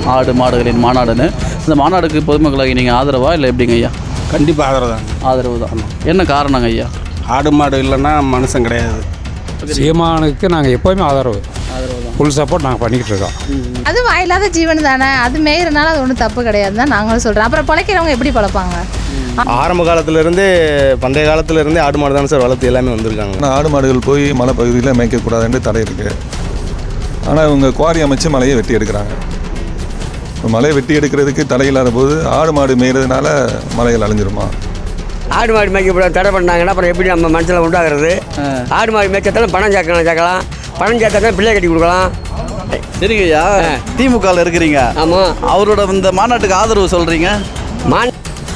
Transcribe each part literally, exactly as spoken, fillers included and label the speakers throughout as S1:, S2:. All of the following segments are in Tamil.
S1: ஆடு மாடுகளின் மாநாடுன்னு. இந்த மாநாடுக்கு பொதுமக்களாகி நீங்கள் ஆதரவா இல்லை எப்படிங்க ஐயா?
S2: கண்டிப்பாக ஆதரவு தான்.
S1: ஆதரவு தான். என்ன காரணங்க ஐயா?
S2: ஆடு மாடு இல்லைன்னா மனுஷன் கிடையாது.
S3: சீமானுக்கு நாங்கள் எப்போவுமே ஆதரவு
S1: ஆதரவு தான்.
S3: ஃபுல் சப்போர்ட் நாங்கள் பண்ணிக்கிட்டு இருக்கோம்.
S4: அது வாயில்லாத ஜீவன் தானே, அது மேயிறனால அது ஒன்றும் தப்பு கிடையாது தான் நாங்களும் சொல்கிறோம். அப்புறம் பிழைக்கிறவங்க எப்படி பிழைப்பாங்க?
S5: ஆரம்ப காலத்திலேருந்து பண்டைய காலத்திலேருந்தே ஆடு மாடு தானே சார் வளர்த்து எல்லாமே வந்திருக்காங்க.
S6: ஆனால் ஆடு மாடுகள் போய் மலை பகுதியில் மேய்க்கக்கூடாதுன்னு தடை இருக்குது. ஆனால் இவங்க குவாரி அமைச்சு மலையை வெட்டி எடுக்கிறாங்க. இப்போ மலையை வெட்டி எடுக்கிறதுக்கு தடை இல்லாத போது ஆடு மாடு மேய்கிறதுனால மலைகள் அழிஞ்சிருமா?
S7: ஆடு மாடு மேய்க்க தடை பண்ணாங்கன்னா அப்புறம் எப்படி நம்ம மனசில் உண்டாகிறது? ஆடு மாடு மேய்ச்சத்தாலும் பணம் சேர்க்கலாம் சேர்க்கலாம் பணம் சேர்த்தாலும் பிள்ளை கட்டி கொடுக்கலாம்.
S1: சரிங்க ஐயா, திமுகவில் இருக்கிறீங்க.
S7: ஆமாம்.
S1: அவரோட இந்த மாநாட்டுக்கு ஆதரவு சொல்கிறீங்க.
S7: மான்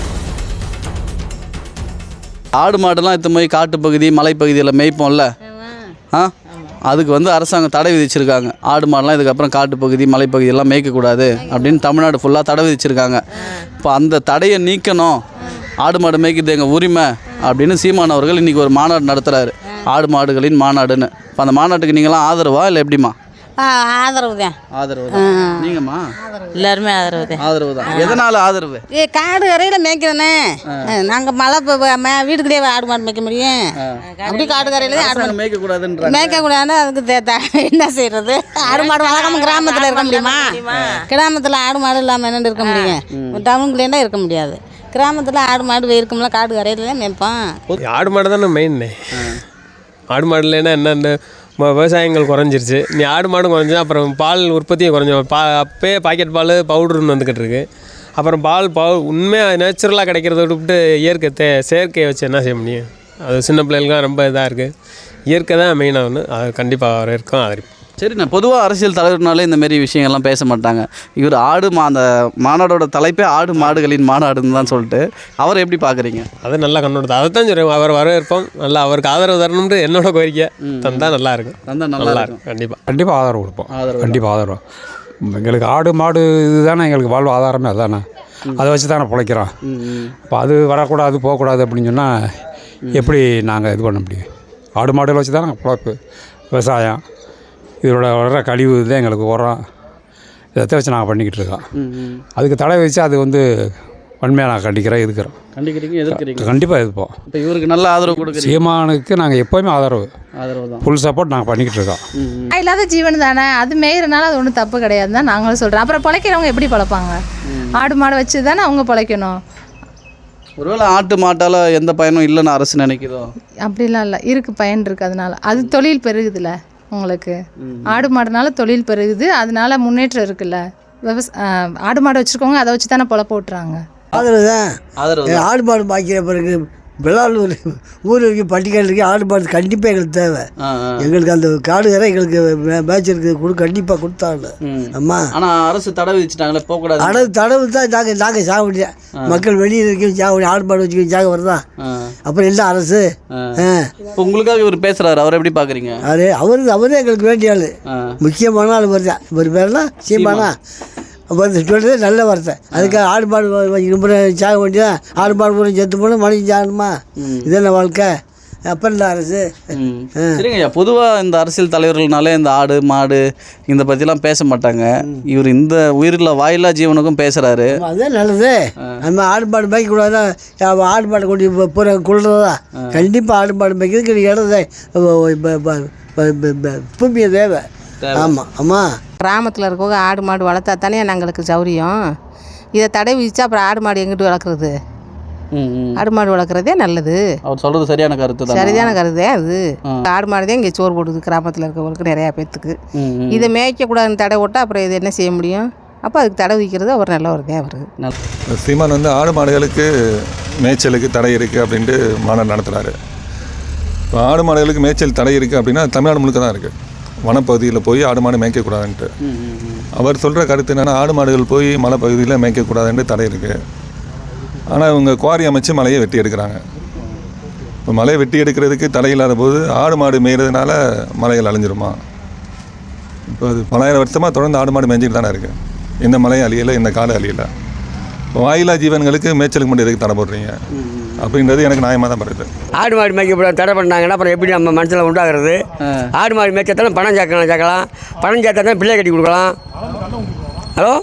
S1: ஆடு மாடுலாம் இத்த போய் காட்டுப்பகுதி மலைப்பகுதியில் மேய்ப்போம்ல, ஆ அதுக்கு வந்து அரசாங்கம் தடை விதிச்சிருக்காங்க. ஆடு மாடுலாம் இதுக்கப்புறம் காட்டுப்பகுதி மலைப்பகுதியெல்லாம் மேய்க்கக்கூடாது அப்படின்னு தமிழ்நாடு ஃபுல்லாக தடை விதிச்சிருக்காங்க. இப்போ அந்த தடையை நீக்கணும், ஆடு மாடு மேய்க்கிறது எங்கள் உரிமை அப்படின்னு சீமான் அவர்கள் இன்றைக்கி ஒரு மாநாடு நடத்துகிறாரு, ஆடு மாடுகளின் மாநாடுன்னு. இப்போ அந்த மாநாட்டுக்கு நீங்களாம் ஆதரவா இல்லை எப்படிமா?
S8: ஆதரவு தான்.
S1: ஆதரவு தான். நீங்கம்மா?
S8: எல்லாருமே ஆதரவு தான்.
S1: ஆதரவு தான். எதனால் ஆதரவு?
S8: ஏ காடு கரையில் மேய்க்கிறேனே, நாங்கள் மழை வீட்டுக்குள்ளேயே ஆடு மாடு மேய்க்க முடியும். அப்படி காடு கரையில் தான் ஆடு மாடு
S1: மேய்க்கக்கூடாதுன்ற
S8: மேய்க்கக்கூடாதுன்னு அதுக்கு என்ன செய்யறது? ஆடு மாடு வளர்க்காம கிராமத்தில் இருக்க முடியுமா? கிராமத்தில் ஆடு மாடு இல்லாமல் என்னென்னு இருக்க முடியும்? டவுனுக்குள்ளேன்னா இருக்க முடியாது. கிராமத்தில் ஆடு மாடு இருக்கும்ல, காடு கரையில் தான் மேய்ப்போம்.
S9: ஆடு மாடு தானே மெயின். ஆடு மாடு இல்லைன்னா என்னென்ன விவசாயங்கள் குறைஞ்சிருச்சு. நீ ஆடு மாடும் குறைஞ்சா அப்புறம் பால் உற்பத்தியும் குறைஞ்சோம். பா அப்போயே பாக்கெட் பால் பவுடர்னு வந்துக்கிட்டு இருக்கு. அப்புறம் பால் பவு உண்மையாக நேச்சுரலாக கிடைக்கிறத விட்டுவிட்டு இயற்கை தே செயற்கையை வச்சு என்ன செய்ய முடியும்? அது சின்ன பிள்ளைகளுக்குலாம் ரொம்ப இதாக இருக்குது. இயற்கை தான் மெயினாக ஒன்று, அது கண்டிப்பாக அவர் இருக்கும் ஆதரிப்பு.
S1: சரிண்ணா, பொதுவாக அரசியல் தலைவர்னாலே இந்த மாதிரி விஷயங்கள்லாம் பேச மாட்டாங்க. இவர் ஆடு மா அந்த மாநாடோட தலைப்பே ஆடு மாடுகளின் மாநாடுன்னு தான் சொல்லிட்டு அவரை எப்படி பார்க்குறீங்க?
S9: அது நல்லா கண்ணோட்டது, அதை தான் சொல்கிறேன். அவர் வரவேற்போம், நல்லா அவருக்கு ஆதரவு தரணும்னு என்னோட கோரிக்கை. தந்தால் நல்லா இருக்கும்.
S1: தந்தால் நல்லா இருக்கும்.
S9: கண்டிப்பாக
S3: கண்டிப்பாக ஆதரவு கொடுப்போம்.
S1: ஆதரவு
S3: கண்டிப்பாக ஆதரவு. எங்களுக்கு ஆடு மாடு இதுதானே எங்களுக்கு வாழ்வு ஆதாரமே, அதுதானே. அதை வச்சு தானே பிழைக்கிறோம். இப்போ அது வரக்கூடாது போகக்கூடாது அப்படின்னு சொன்னால் எப்படி நாங்கள் இது பண்ண முடியும்? ஆடு மாடுகளை வச்சு தானே பிழைப்பு, விவசாயம், இதோட வர்ற கழிவு தான் எங்களுக்கு உரம், இதை வச்சு நாங்கள் பண்ணிக்கிட்டு இருக்கோம். அதுக்கு தடை வச்சு அது வந்து வன்மையாக நான் கண்டிக்கிறேன், எதுக்கிறோம்.
S1: கண்டிக்கிறீங்க, எதிர்க்கிறீங்க?
S3: கண்டிப்பாக எதிர்ப்போம்.
S1: இப்போ இவருக்கு நல்ல ஆதரவு கொடுக்குறீங்க?
S3: சீமானுக்கு நாங்கள் எப்போவுமே ஆதரவு
S1: ஆதரவு தான்.
S3: ஃபுல் சப்போர்ட் நாங்கள் பண்ணிக்கிட்டு இருக்கோம்.
S4: வாயில்லாத ஜீவன் தானே, அது மேயிறனால அது ஒன்றும் தப்பு கிடையாது தான் நாங்களும் சொல்கிறோம். அப்புறம் பிழைக்கிறவங்க எப்படி பிழைப்பாங்க? ஆடு மாடு வச்சு தானே அவங்க பிழைக்கணும்.
S1: ஒருவேளை ஆட்டு மாட்டால் எந்த பயனும் இல்லைன்னு அரசு நினைக்கிறோம்?
S4: அப்படிலாம் இல்லை, இருக்குது, பயன் இருக்குது. அதனால அது தொழில் பெருகுதுல்ல உங்களுக்கு. ஆடு மாடுனால தொழில் பெருகுது, அதனால முன்னேற்றம் இருக்குல்ல. விவசா ஆடு மாடு வச்சுருக்கவங்க அதை வச்சு தானே பொழப்ப ஓட்டுறாங்க.
S10: ஆதரவு தான்.
S1: ஆதரவு.
S10: ஆடு மாடு பாய்க்கிற பிறகு வெள்ளாளூர் ஊர் வரைக்கும் பட்டிக்காடு இருக்கு. ஆடு மாடு கண்டிப்பாக எங்களுக்கு தேவை. எங்களுக்கு அந்த காடு வேற எங்களுக்கு மேய்ச்சலுக்கு கொடு கண்டிப்பாக கொடுத்தாங்க. அம்மா
S1: ஆனால் அரசு தடை விதிச்சிட்டாங்களே, போகக்கூடாது.
S10: அடவு தடவு தான் நாங்கள் நாங்கள் சாக முடியாது. மக்கள் வெளியில் இருக்க சாக ஆடு மாடு வச்சுக்க சாக வருதான். அப்புறம் இல்லை அரசு.
S1: இப்போ உங்களுக்காக இவர் பேசுகிறாரு, அவர் எப்படி பார்க்குறீங்க?
S10: அது அவரு அவரே எங்களுக்கு வேண்டிய ஆள், முக்கியமான ஆள் வருதான். ஒரு பேர்னா சீமானா வந்து சொல்கிறது நல்ல வார்த்தை. அதுக்காக ஆடு மாடு ரொம்ப சாக வேண்டியதான். ஆடு மாடு பூரா செத்து போகணும், மனுஷன் சாகணுமா? இதென்ன வாழ்க்கை? அப்புறம் இல்லை அரசு.
S1: சரிங்க ஐயா, பொதுவாக இந்த அரசியல் தலைவர்கள்னாலே இந்த ஆடு மாடு இந்த பற்றிலாம் பேச மாட்டாங்க. இவர் இந்த உயிரில் வாயில்லா ஜீவனுக்கும் பேசுகிறாரு.
S10: அதுதான் நல்லது. நம்ம ஆடு மாடு மேய்க்கக்கூடாதா? ஆடு மாடு கொண்டு பூரா கொள்றதா? கண்டிப்பாக ஆடு மாடு மேய்க்கிறதுக்கு இடம் பூமியை தேவை. ஆமாம் ஆமாம்.
S8: கிராமத்தில் இருக்கவங்க ஆடு மாடு வளர்த்தா தானே எங்களுக்கு சௌரியம். இதை தடை விதிச்சா அப்புறம் ஆடு மாடு எங்கிட்டு வளர்க்குறது? ஆடு மாடு வளர்க்குறதே நல்லது.
S1: அவர் சொல்கிறது சரியான கருத்து தான்.
S8: சரியான கருதே அது. ஆடு மாடு தான் இங்கே சோறு போடுது கிராமத்தில் இருக்கவங்களுக்கு நிறையா பேர்த்துக்கு. இதை மேய்க்கக்கூடாதுன்னு தடை விட்டால் அப்புறம் இது என்ன செய்ய முடியும்? அப்போ அதுக்கு தடை விதிக்கிறது அவர் நல்லவர் தான். அவருக்கு
S6: சீமான் வந்து ஆடு மாடுகளுக்கு மேய்ச்சலுக்கு தடை இருக்குது அப்படின்ட்டு மாநாடு நடத்துகிறாரு. இப்போ ஆடு மாடுகளுக்கு மேய்ச்சல் தடை இருக்குது அப்படின்னா தமிழ்நாடு முழுக்க தான் இருக்குது. வனப்பகுதியில் போய் ஆடு மாடு மேய்க்கக்கூடாதுன்ட்டு அவர் சொல்கிற கருத்து என்னென்னா, ஆடு மாடுகள் போய் மலைப்பகுதியில் மேய்க்கக்கூடாதுன்ட்டு தடை இருக்குது. ஆனால் இவங்க குவாரி அமைச்சு மலையை வெட்டி எடுக்கிறாங்க. இப்போ மலையை வெட்டி எடுக்கிறதுக்கு தடை இல்லாத போது ஆடு மாடு மேய்கிறதுனால மலைகள் அழிஞ்சிருமா? இப்போ அது பலாயிரம் வருஷமாக தொடர்ந்து ஆடு மாடு மேய்ஞ்சிட்டு தானே இருக்குது. இந்த மலையும் அழியலை, இந்த காடு அழியலை. இப்போ வாயிலா ஜீவன்களுக்கு மேய்ச்சலுக்கு மட்டும் எதுக்கு தடை போடுறீங்க அப்படின்றது எனக்கு நியாயமாக தான் படுது.
S7: ஆடு மாடு மேய்க்க தடை பண்ணாங்கன்னா அப்புறம் எப்படி நம்ம மனசில் உண்டாகிறது? ஆடு மாடு மேய்ச்சத்தாலும் பணம் சேர்க்கலாம் சேர்க்கலாம் பணம் சேர்த்தா தான் பிள்ளை கட்டி கொடுக்கலாம். ஹலோ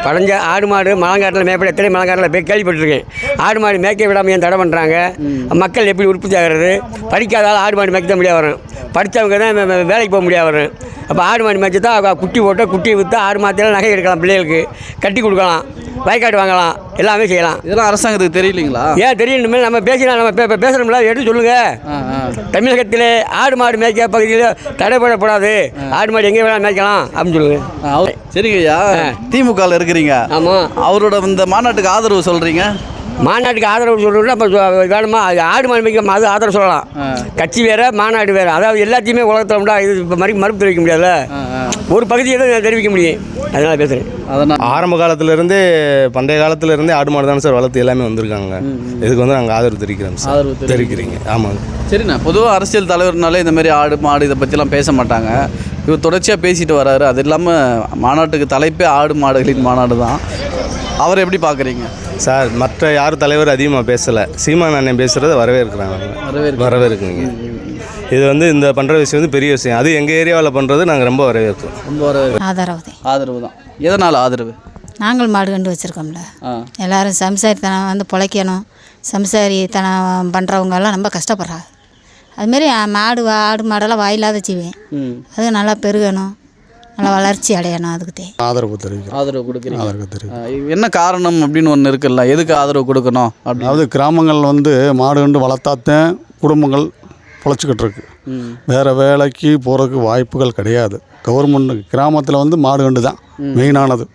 S7: பழஞ்ச ஆடு மாடு மலங்காட்டில் மேய்ப்பட எத்தனை மலங்காட்டில் போய் கேள்விப்பட்டிருக்கேன். ஆடு மாடு மேய்க்க விடாமல் ஏன் தடை பண்ணுறாங்க? மக்கள் எப்படி உற்பத்தி ஆகிறது? படிக்காதால் ஆடு மாடு மேய்க்க தான் முடியாது வரும், படித்தவங்க தான் வேலைக்கு போக முடியாது வரும். அப்போ ஆடு மாடு மேய்ச்சி தான் குட்டி போட்டு குட்டியை விற்று ஆடு மாதத்தில் நகை எடுக்கலாம், பிள்ளைகளுக்கு கட்டி கொடுக்கலாம், வயக்காடு வாங்கலாம், எல்லாமே செய்யலாம்.
S1: இதெல்லாம் அரசாங்கத்துக்கு தெரியலீங்களா?
S7: ஏன் தெரியணுமே, நம்ம பேசினா நம்ம பே பேசுகிறோம்ல, எடுத்து சொல்லுங்கள். தமிழகத்தில் ஆடு மாடு மேய்க்க பகுதியில் தடைப்படக்கூடாது, ஆடு மாடு எங்கே வேணாலும் மேய்க்கலாம் அப்படின்னு சொல்லுங்கள்.
S1: சரிங்க ஐயா, திமுகவில் இருக்கிறீங்க.
S7: ஆமாம்.
S1: அவரோட இந்த மாநாட்டுக்கு ஆதரவு சொல்கிறீங்க.
S7: மாநாட்டுக்கு ஆதரவு சொல்கிறோம்னா அப்போ வேணுமா? அது ஆடு மாடு மேய்க்க அது ஆதரவு சொல்லலாம். கட்சி வேறு, மாநாடு வேறு. அதாவது எல்லாத்தையுமே உலகத்தில் உண்டா இது இப்போ மறு மறுப்பு தெரிவிக்க முடியாதுல்ல, ஒரு பகுதியை தான் தெரிவிக்க முடியும். அதனால் பேசுகிறேன்.
S5: அதனால் ஆரம்ப காலத்திலேருந்தே பண்டைய காலத்திலேருந்தே ஆடு மாடு தானே சார் வளர்த்து எல்லாமே வந்திருக்காங்க. இதுக்கு வந்து நாங்கள் ஆதரவு தெரிவிக்கிறோம் சார்.
S1: ஆதரவு
S5: தெரிவிக்கிறீங்க. ஆமாங்க.
S1: சரிண்ணா, பொதுவாக அரசியல் தலைவர்னாலே இந்த மாதிரி ஆடு மாடு இதை பற்றிலாம் பேச மாட்டாங்க. இவர் தொடர்ச்சியாக பேசிட்டு வர்றாரு. அது இல்லாமல் மாநாட்டுக்கு தலைப்பே ஆடு மாடுகளின் மாநாடு தான். அவரை எப்படி பார்க்குறீங்க
S5: சார்? மற்ற யார் தலைவர் அதிகமாக பேசலை, சீமான் அண்ணன் பேசுகிறத வரவேற்கிறாங்க.
S1: வரவேற்கு
S5: வரவேற்குங்க. இது வந்து இந்த பண்ணுற விஷயம் வந்து பெரிய விஷயம். அது எங்கள் ஏரியாவில் பண்ணுறது நாங்கள் ரொம்ப வரவேற்கிறோம்.
S1: ரொம்ப வரவேற்கு.
S8: ஆதரவு
S1: ஆதரவு தான். எதனால் ஆதரவு?
S8: நாங்கள் மாடு கண்டு வச்சுருக்கோம்ல, எல்லோரும் சம்சாரித்தனம் வந்து பிழைக்கணும், சம்சாரித்தனம் பண்ணுறவங்கெல்லாம் ரொம்ப கஷ்டப்படுறாங்க. அதுமாரி மாடு ஆடு மாடெல்லாம் வாயில்லாத செய்வேன், அது நல்லா பெருகணும், நல்லா வளர்ச்சி அடையணும். அதுக்கு
S3: ஆதரவு தெரிவிக்கிறோம்.
S1: ஆதரவு கொடுக்குறீங்க.
S3: ஆதரவு தெரிவிக்கிறோம்.
S1: என்ன காரணம் அப்படின்னு ஒன்று இருக்குல்ல, எதுக்கு ஆதரவு கொடுக்கணும்?
S3: அதாவது கிராமங்கள் வந்து மாடு கண்டு வளர்த்தாத்தான் குடும்பங்கள் பொழைச்சிக்கிட்டு இருக்கு. வேறு வேலைக்கு போகிறதுக்கு வாய்ப்புகள் கிடையாது. கவர்மெண்ட் கிராமத்தில் வந்து மாடு கண்டு தான் மெயினானது.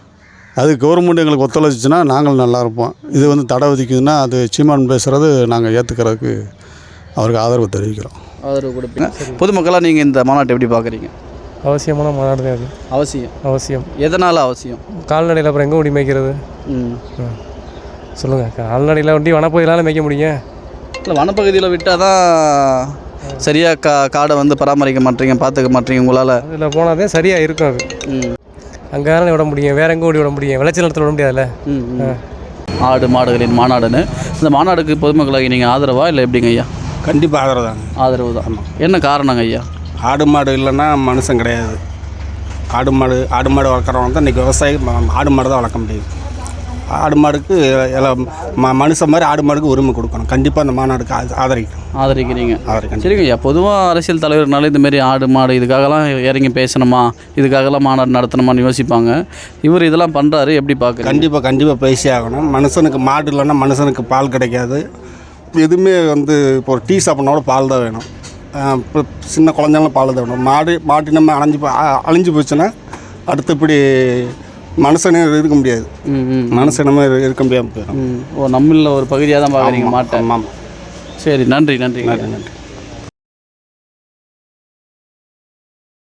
S3: அது கவர்மெண்ட் எங்களுக்கு ஒத்துழைச்சிச்சுன்னா நாங்கள் நல்லா இருப்போம். இது வந்து தடை விதிக்குதுன்னா அது சீமான் பேசுகிறது நாங்கள் ஏற்றுக்கிறதுக்கு அவருக்கு ஆதரவு தெரிவிக்கிறோம்.
S1: ஆதரவு கொடுப்பீங்க. பொதுமக்களாக நீங்கள் இந்த மாநாட்டை எப்படி பார்க்குறீங்க?
S9: அவசியமான மாநாடு தான் அது.
S1: அவசியம்.
S9: அவசியம்.
S1: எதனால் அவசியம்?
S9: கால்நடையில் அப்புறம் எங்கே ஓடி மேய்க்கிறது?
S1: ம்
S9: சொல்லுங்கள். கால்நடையில் ஒண்டி வனப்பகுதியிலால் மேய்க்க முடியும்.
S1: இல்லை, வனப்பகுதியில் விட்டால் தான் சரியாக கா காடை வந்து பராமரிக்க மாட்டீங்க, பார்த்துக்க மாட்டீங்க உங்களால்.
S9: அதில் போனால் தான் சரியாக இருக்கும் அது.
S1: ம்
S9: அங்கே தானே விட முடியும், வேறு எங்கே ஓடி விட முடியும்? விளைச்சல் நிலத்தில் விட முடியாதுல்ல.
S1: ம் ஆடு மாடுகளின் மாநாடுன்னு இந்த மாநாடுக்கு பொதுமக்களாகி நீங்கள் ஆதரவா இல்லை எப்படிங்க ஐயா?
S2: கண்டிப்பாக ஆதரவு தாங்க.
S1: ஆதரவு தான். என்ன காரணங்க ஐயா?
S2: ஆடு மாடு இல்லைன்னா மனுஷன் கிடையாது. ஆடு மாடு ஆடு மாடு வளர்க்குறவங்க தான் இன்றைக்கி விவசாயி ஆடு மாடு தான் வளர்க்க முடியும். ஆடு மாடுக்கு எல்லாம் ம மனுஷன் மாதிரி ஆடு மாடுக்கு உரிமை கொடுக்கணும். கண்டிப்பாக அந்த மாநாடுக்கு ஆ ஆதரிக்கணும்.
S1: ஆதரிக்கிறீங்க?
S2: ஆதரிக்கணும்.
S1: சரிங்க ஐயா, பொதுவாக அரசியல் தலைவர்னால இந்தமாரி ஆடு மாடு இதுக்காகலாம் இறங்கி பேசணுமா, இதுக்காகலாம் மாநாடு நடத்தணுமான்னு யோசிப்பாங்க. இவர் இதெல்லாம் பண்ணுறாரு, எப்படி பார்க்குறீங்க?
S2: கண்டிப்பாக கண்டிப்பாக பேசி ஆகணும். மனுஷனுக்கு மாடு இல்லைன்னா மனுஷனுக்கு பால் கிடைக்காது. எதுவுமே வந்து இப்போ ஒரு டீ சாப்பிட்னாலும் பால் தான் வேணும். இப்போ சின்ன குழந்தைங்களும் பால் தான் வேணும். மாடு மாட்டு நம்ம அழிஞ்சு போ அழிஞ்சு போச்சுன்னா அடுத்தபடி மனுஷனே இருக்க முடியாது. மனுஷனமே இருக்க முடியாமல் போயிடும்.
S1: ஓ, நம்மள ஒரு பகுதியாக தான் பார்க்குறீங்க மாட்டை.
S2: ஆமாம்.
S1: சரி, நன்றி நன்றி
S2: நன்றி நன்றி